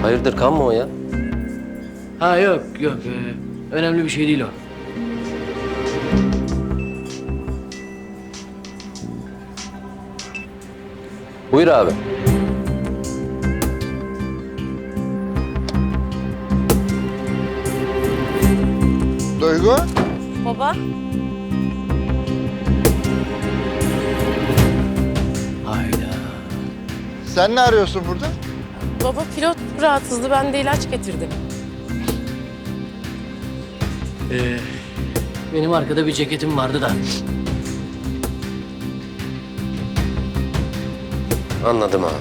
Hayırdır, kan mı o ya? Ha yok yok. Önemli bir şey değil o. Buyur abi. Duygu, Baba, Hayda. sen ne arıyorsun burada? baba pilot rahatsızdı. Ben de ilaç getirdim. Benim arkada bir ceketim vardı da. Anladım ha.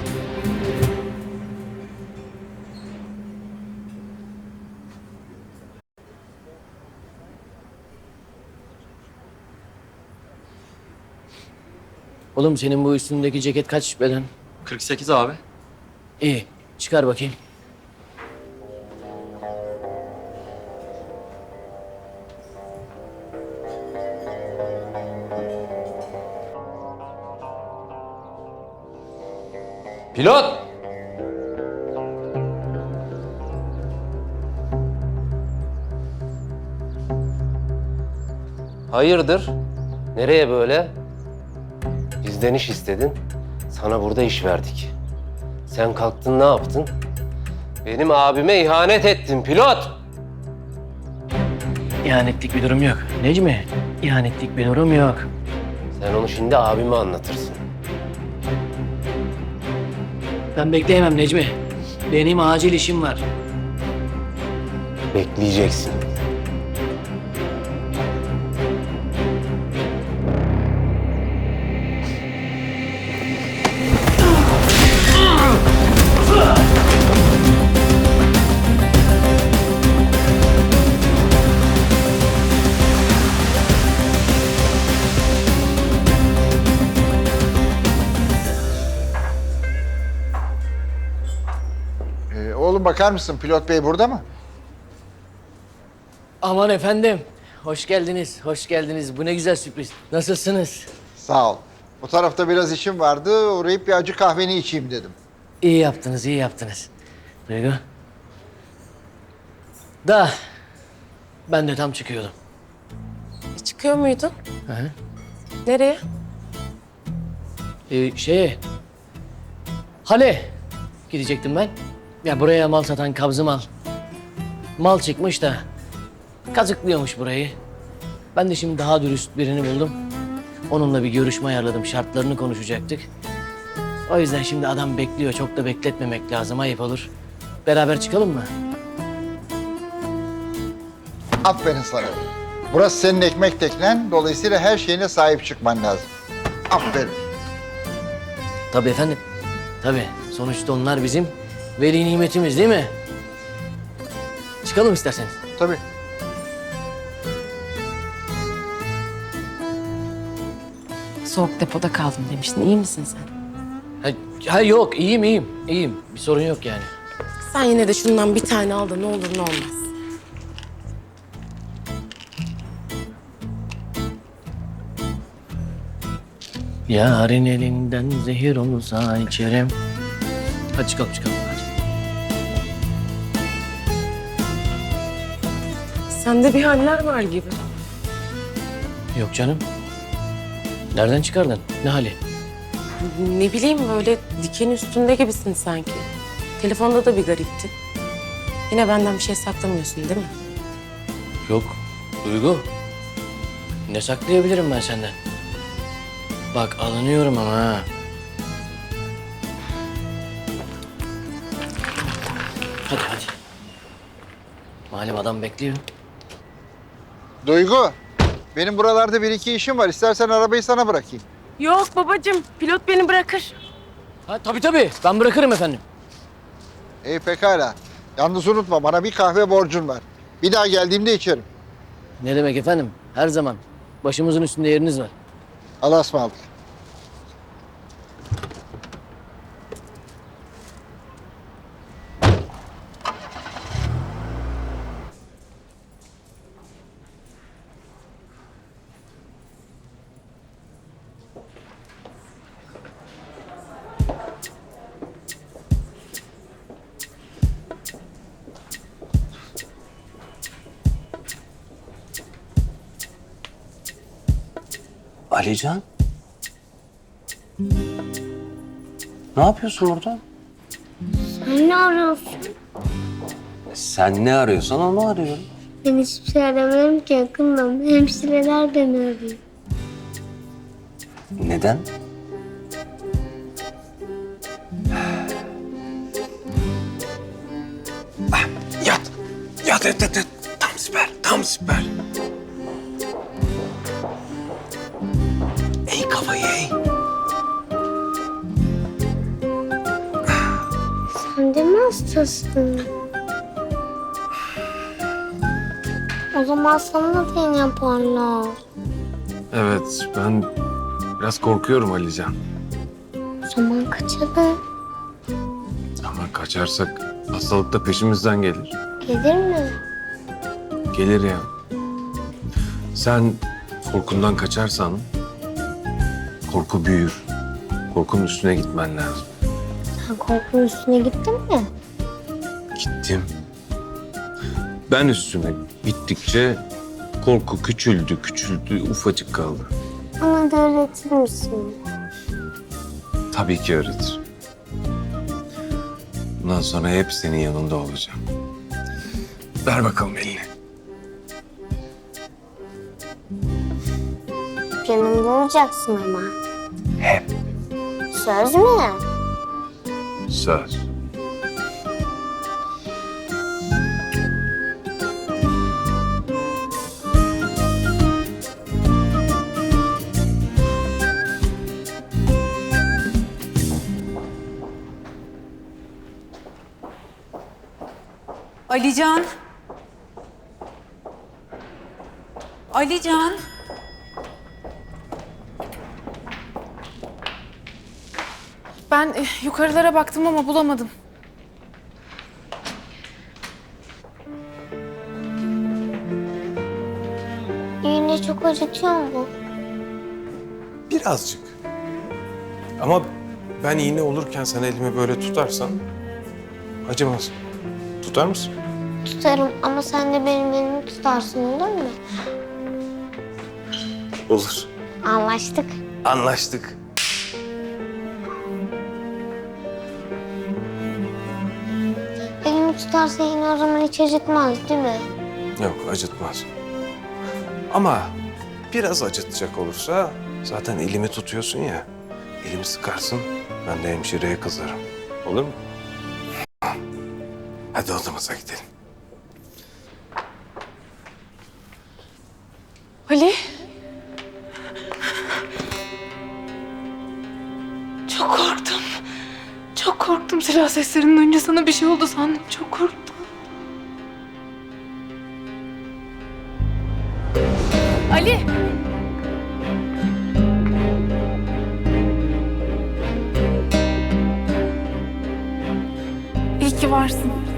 Oğlum senin bu üstündeki ceket kaç beden? 48 abi. İyi. Çıkar bakayım. Pilot! Hayırdır? Nereye böyle? Bizden iş istedin. Sana burada iş verdik. Sen kalktın ne yaptın? Benim abime ihanet ettin pilot! İhanetlik bir durum yok. Necmi, ihanetlik bir durum yok. Sen onu şimdi abime anlatırsın. Ben bekleyemem Necmi. Benim acil işim var. Bekleyeceksin. Oğlum bakar mısın? Pilot bey burada mı? Aman efendim. Hoş geldiniz, hoş geldiniz. Bu ne güzel sürpriz. Nasılsınız? Sağ ol. Bu tarafta biraz işim vardı. Uğrayıp bir acı kahveni içeyim dedim. İyi yaptınız, iyi yaptınız. Duygu. Da ben de tam çıkıyordum. Çıkıyor muydun? Hı hı. Nereye? Hale gidecektim ben. Ya buraya mal satan kabzı mal. Mal çıkmış da kazıklıyormuş burayı. Ben de şimdi daha dürüst birini buldum. Onunla bir görüşme ayarladım. Şartlarını konuşacaktık. O yüzden şimdi adam bekliyor. Çok da bekletmemek lazım. Ayıp olur. Beraber çıkalım mı? Aferin sana. Burası senin ekmek teknen. Dolayısıyla her şeyine sahip çıkman lazım. Aferin. Tabii efendim. Tabii. Sonuçta onlar bizim veli nimetimiz değil mi? Çıkalım isterseniz. Tabii. Soğuk depoda kaldım demiştin. İyi misin sen? Ha yok iyiyim iyiyim. İyiyim. Bir sorun yok yani. Sen yine de şundan bir tane al da ne olur ne olmaz. Yarın elinden zehir olsa içerim. Hadi çıkalım çıkalım hadi. Sende bir haller var gibi. Yok canım. Nereden çıkardın? Ne hali? Ne bileyim böyle diken üstünde gibisin sanki. Telefonda da bir gariptin. Yine benden bir şey saklamıyorsun değil mi? Yok. Duygu. Ne saklayabilirim ben senden? Bak alınıyorum ama ha. Hadi hadi. Malum adam bekliyor. Duygu, benim buralarda bir iki işim var. İstersen arabayı sana bırakayım. Yok babacığım. Pilot beni bırakır. Ha tabii tabii. Ben bırakırım efendim. İyi pekala. Yalnız unutma bana bir kahve borcun var. Bir daha geldiğimde içerim. Ne demek efendim? Her zaman. Başımızın üstünde yeriniz var. Allah'a ısmarladık. Alican? Ne yapıyorsun burada? Sen ne arıyorsun? Sen ne arıyorsan onu arıyorum. Ben hiçbir şey aramadım ki yakınım. Hemşireler beni arıyor. Neden? Yat. Yat, yat, yat, yat. Tam süper, tam süper. Ey kafayı ey. Sen de mi hastasın? O zaman sana da iğne yaparlar. Evet, ben biraz korkuyorum Alican. O zaman kaçalım. Ama kaçarsak hastalık da peşimizden gelir. Gelir mi? Gelir ya. Sen korkundan kaçarsan korku büyür. Korkunun üstüne gitmen lazım. Sen korkunun üstüne gittin mi? Gittim. Ben üstüne gittikçe korku küçüldü, küçüldü, ufacık kaldı. Bana da öğretir misin? Tabii ki öğretir. Bundan sonra hep senin yanında olacağım. Ver bakalım elini. Yanımda olacaksın ama. Hep. Söz mü? Söz. Alican. Alican. Ben yukarılara baktım ama bulamadım. İğne çok acıtıyor mu? Birazcık. Ama ben iğne olurken sen elimi böyle tutarsan acımaz. Tutar mısın? Tutarım ama sen de benim elimi tutarsın, olur mu? Olur. Anlaştık. Anlaştık. Elimi tutarsa yine o zaman hiç acıtmaz değil mi? Yok, acıtmaz. Ama biraz acıtacak olursa zaten elimi tutuyorsun ya. Elimi sıkarsın, ben de hemşireye kızarım. Olur mu? Hadi odamıza gidelim. Ali. Çok korktum. Çok korktum silah seslerinin önce sana bir şey oldu sandım. Çok korktum. Ali. İyi ki varsın.